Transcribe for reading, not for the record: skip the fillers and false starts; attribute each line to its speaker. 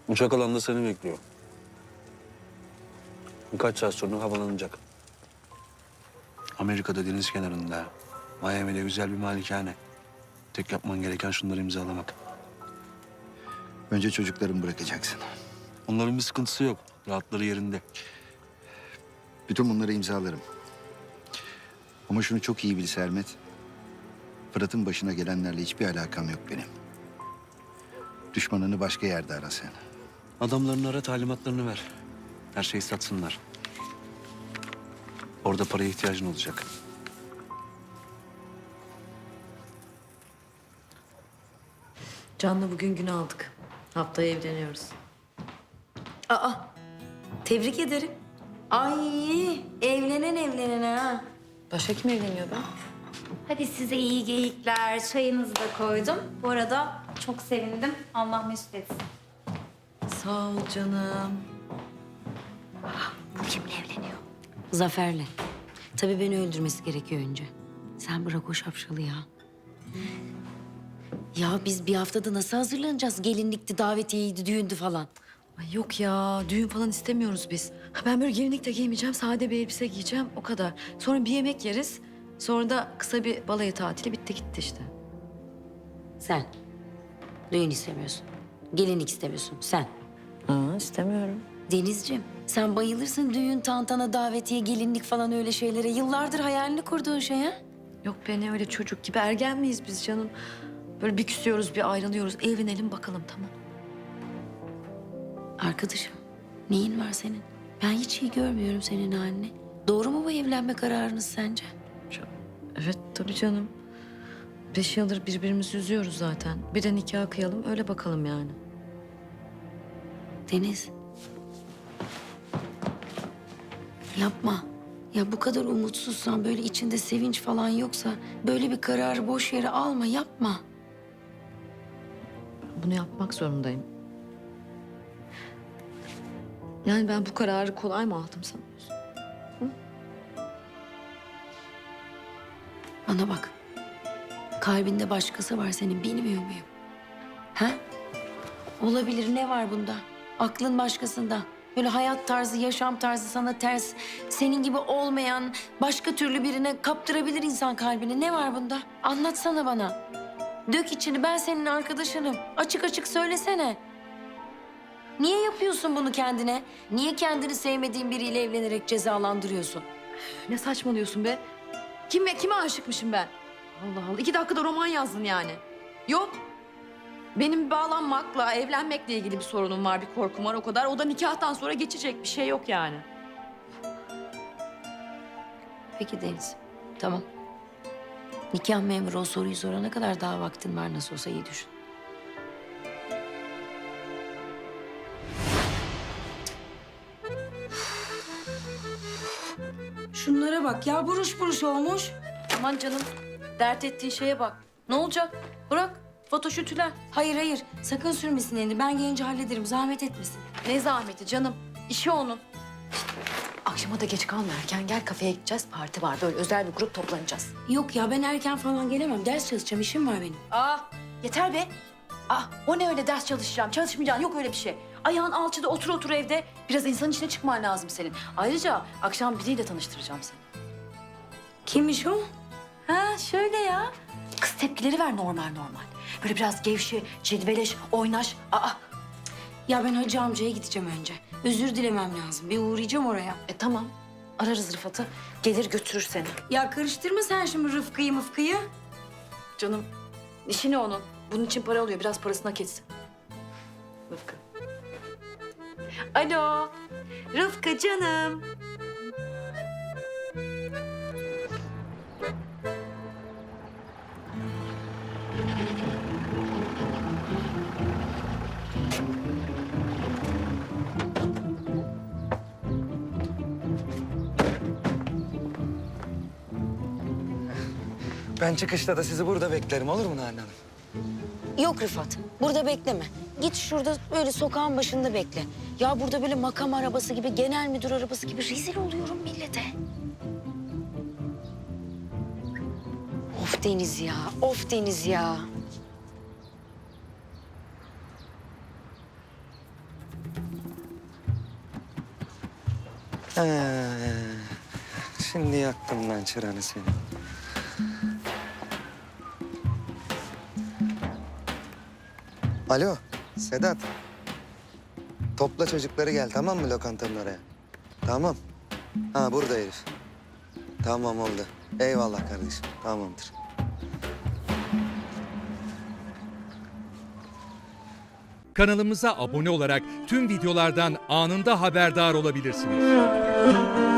Speaker 1: Uçak alanda seni bekliyor. Birkaç saat sonra havalanacak. Amerika'da deniz kenarında, Miami'de güzel bir malikane. Tek yapman gereken şunları imzalamak.
Speaker 2: Önce çocuklarımı bırakacaksın.
Speaker 1: Onların bir sıkıntısı yok. Rahatları yerinde.
Speaker 2: Bütün bunları imzalarım. Ama şunu çok iyi bil Sermet. Fırat'ın başına gelenlerle hiçbir alakam yok benim. Düşmanını başka yerde ara sen.
Speaker 1: Adamlarını ara, talimatlarını ver. Her şeyi satsınlar. Orada paraya ihtiyacın olacak.
Speaker 3: Can'la bugün gün aldık. Haftaya evleniyoruz. Aa, tebrik ederim.
Speaker 4: Ay evlenen ha.
Speaker 3: Başka kim evleniyor be?
Speaker 4: Hadi size iyi geyikler. Çayınızı da koydum. Bu arada çok sevindim. Allah mesut etsin.
Speaker 3: Sağ ol canım.
Speaker 4: Bu kimle evleniyor?
Speaker 5: Zafer'le. Tabii beni öldürmesi gerekiyor önce. Sen bırak o şapşalı ya. Ya biz bir haftada nasıl hazırlanacağız? Gelinlikti, davetiyeydi, düğündü falan.
Speaker 3: Ay yok ya, düğün falan istemiyoruz biz. Ben böyle gelinlik de giymeyeceğim, sade bir elbise giyeceğim, o kadar. Sonra bir yemek yeriz. Sonra da kısa bir balayı tatili, bitti gitti işte.
Speaker 5: Sen. Düğün istemiyorsun. Gelinlik istemiyorsun. Sen.
Speaker 3: İstemiyorum.
Speaker 5: Denizciğim, sen bayılırsın düğün, tantana, davetiye, gelinlik falan öyle şeylere. Yıllardır hayalini kurduğun şey ha?
Speaker 3: Yok be, ne öyle çocuk gibi, ergen miyiz biz canım? Böyle bir küsüyoruz, bir ayrılıyoruz. Evlenelim bakalım, tamam.
Speaker 5: Arkadaşım, neyin var senin? Ben hiç iyi görmüyorum senin halini. Doğru mu bu evlenme kararınız sence?
Speaker 3: Evet, tabii canım. 5 yıldır birbirimizi üzüyoruz zaten. Bir de nikah kıyalım, öyle bakalım yani.
Speaker 5: Deniz. Yapma. Ya bu kadar umutsuzsan, böyle içinde sevinç falan yoksa... ...böyle bir kararı boş yere alma, yapma.
Speaker 3: Bunu yapmak zorundayım. Yani ben bu kararı kolay mı aldım sanıyorsun?
Speaker 5: Bana bak. Kalbinde başkası var senin, bilmiyor muyum? Ha? Olabilir, ne var bunda? Aklın başkasında. Böyle hayat tarzı, yaşam tarzı sana ters... ...senin gibi olmayan başka türlü birine kaptırabilir insan kalbini. Ne var bunda? Anlatsana bana. Dök içini, ben senin arkadaşınım. Açık açık söylesene. Niye yapıyorsun bunu kendine? Niye kendini sevmediğin biriyle evlenerek cezalandırıyorsun?
Speaker 3: Ne saçmalıyorsun be? Kime aşıkmışım ben? Allah Allah, 2 dakikada roman yazdın yani. Yok. Benim bağlanmakla, evlenmekle ilgili bir sorunum var, bir korkum var o kadar. O da nikahtan sonra geçecek, bir şey yok yani.
Speaker 5: Peki Deniz, tamam. Nikah memuru o soruyu sorana kadar daha vaktin var, nasıl olsa iyi düşün.
Speaker 4: Şunlara bak ya buruş buruş olmuş.
Speaker 3: Aman canım, dert ettiğin şeye bak. Ne olacak? Bırak, fotoşütüler.
Speaker 5: Hayır hayır, sakın sürmesin elini. Ben gelince hallederim, zahmet etmesin.
Speaker 3: Ne zahmeti canım, işi onun. Akşama da geç kalma, erken gel, kafeye gideceğiz. Parti var, böyle özel bir grup toplanacağız.
Speaker 5: Yok ya, ben erken falan gelemem. Ders çalışacağım, işim var benim.
Speaker 3: Yeter be. O ne öyle ders çalışacağım, çalışmayacağım, yok öyle bir şey. Ayağın alçıda otur evde. Biraz insanın içine çıkman lazım senin. Ayrıca akşam biriyle tanıştıracağım seni.
Speaker 5: Kimmiş o?
Speaker 3: Ha şöyle ya. Kız tepkileri ver normal. Böyle biraz gevşe, cilveleş, oynaş.
Speaker 5: Ya ben Hacı amcaya gideceğim önce. Özür dilemem lazım. Bir uğrayacağım oraya.
Speaker 3: Tamam. Ararız Rıfat'ı. Gelir götürür seni.
Speaker 5: Ya karıştırma sen şimdi Rıfkı'yı mıfkıyı.
Speaker 3: Canım işi ne onun? Bunun için para alıyor. Biraz parasını hak etsin. Rıfkı. Alo. Rıfkı canım.
Speaker 6: Ben çıkışta da sizi burada beklerim, olur mu Nalan Hanım?
Speaker 5: Yok Rıfat, burada bekleme. Git şurada böyle sokağın başında bekle. Ya burada böyle makam arabası gibi, genel müdür arabası gibi rezil oluyorum millete. Of Deniz ya, of Deniz ya.
Speaker 6: Şimdi yaktım lan çıranı seni. Alo Sedat. Topla çocukları gel tamam mı lokantanın oraya? Tamam. Ha burada herif. Tamam oldu. Eyvallah kardeşim. Tamamdır.
Speaker 7: Kanalımıza abone olarak tüm videolardan anında haberdar olabilirsiniz.